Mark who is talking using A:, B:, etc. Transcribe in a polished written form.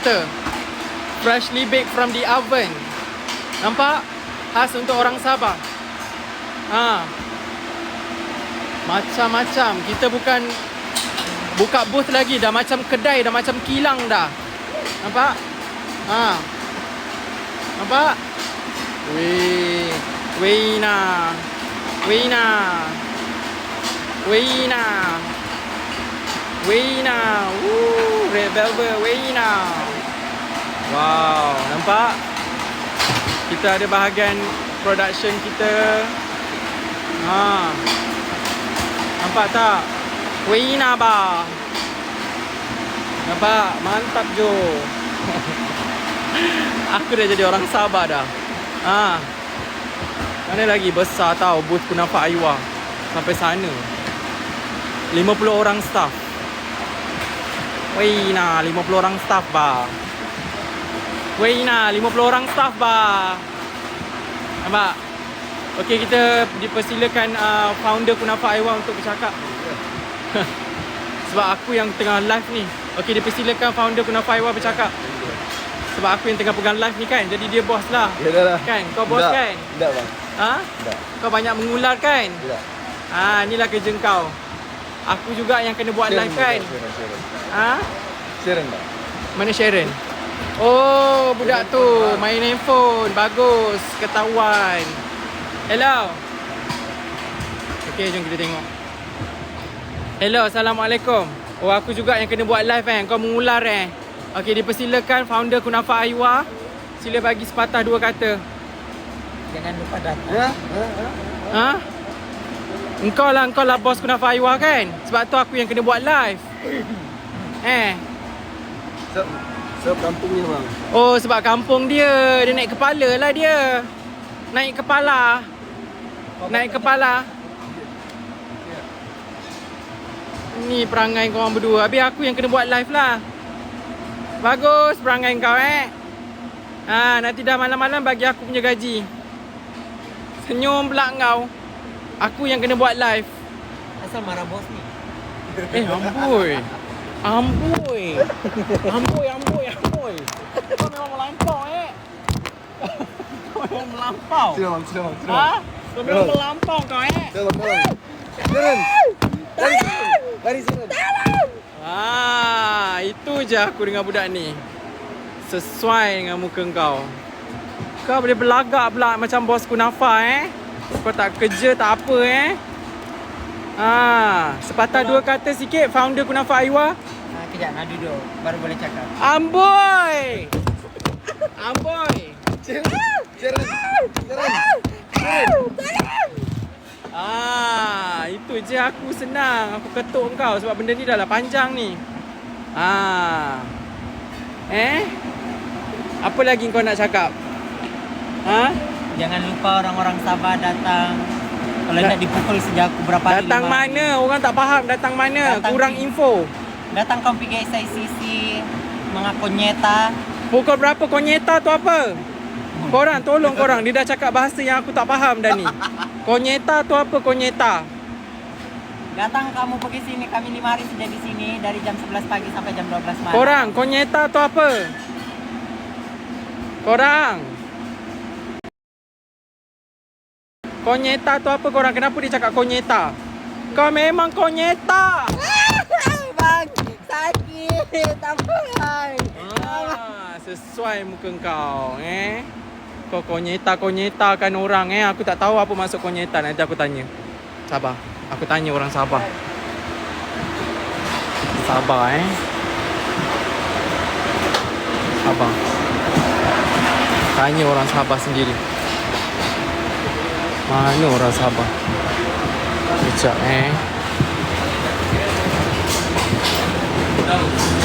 A: kita. Freshly baked from the oven. Nampak? Khas untuk orang Sabah. Macam-macam. Kita bukan buka booth lagi. Dah macam kedai, dah macam kilang dah. Nampak? Nampak? Weh. Weina. Weina. Weina. Weina. Red velvet Weina. Wow, nampak? Kita ada bahagian production kita. Nampak tak? Weina ba. Nampak? Mantap Jo. Aku dah jadi orang Sabah dah. Mana lagi besar tau booth Kunafa Aiwa. Sampai sana 50 orang staff. Weina, 50 orang staff ba. Weina, 50 orang staff ba. Nampak? Okey, kita dipersilakan founder Kunafa Aiwa untuk bercakap. Sebab aku yang tengah live ni. Okey, dipersilakan founder Kunafa Aiwa bercakap. Sebab aku yang tengah pegang live ni kan. Jadi dia bos lah.
B: Yalah.
A: Kan? Kau bos kan?
B: Tak bang. Tak.
A: Kau banyak mengular kan?
B: Tak.
A: Inilah kerja kau. Aku juga yang kena buat live kan?
B: Sharon tak?
A: Mana Sharon? Oh, budak tu main handphone. Bagus, ketahuan. Hello. Okey, jom kita tengok. Hello, Assalamualaikum. Oh, aku juga yang kena buat live kan? Kau mengular Okey, dipersilakan founder Kunafa Aiwa. Sila bagi sepatah dua kata.
C: Jangan lupa datang.
A: Engkau lah bos Kunafa Aiwa kan? Sebab tu aku yang kena buat live.
B: Sebab kampungnya bang.
A: Oh, sebab kampung dia. Dia naik kepala lah dia. Naik kepala. Naik kepala. Ni perangai korang berdua. Habis aku yang kena buat live lah. Bagus perangai kau nanti dah malam-malam bagi aku punya gaji. Senyum pula kau. Aku yang kena buat live.
C: Asal marah bos ni.
A: Amboi. Amboi. Amboi, amboi, amboi. Kau memang melampau Kau memang melampau.
B: Sila bang.
A: Kau memang melampau kau
B: Sharon. Lari Sharon.
A: Itu je aku dengan budak ni. Sesuai dengan muka kau. Kau boleh berlagak pula macam bos Kunafa Kau tak kerja tak apa sepatah dua kata sikit founder Kunafa Aiwa.
C: Kejap, nak duduk baru boleh cakap.
A: Amboi. Amboi.
B: Sharon.
A: Itu je aku senang. Aku ketuk kau sebab benda ni dah lah panjang ni. Apa lagi kau nak cakap?
C: Jangan lupa orang-orang Sabah datang. Kalau nak dipukul sejak aku berapa hari.
A: Datang mana? Orang tak faham datang mana. Kurang info.
C: Datang kau pergi SICC mengaku nyeta.
A: Pukul berapa konyeta tu apa? Korang tolong korang. Dia dah cakap bahasa yang aku tak faham dah ni. Konyeta tu apa konyeta?
C: Datang kamu pergi sini, kami 5 hari saja di sini dari jam 11 pagi sampai jam 12 malam.
A: Korang, konyeta tu apa? Korang. Konyeta tu apa korang? Kenapa dia cakap konyeta? Kau memang konyeta.
C: Bang, sakit. Apa bang?
A: Sesuai muka kau Kau konyeta kan orang Aku tak tahu apa maksud konyeta. Nanti aku tanya. Sabar. Aku tanya orang Sabah. Sabar Sabar. Tanya orang Sabah sendiri. Mana orang Sabah? Sekejap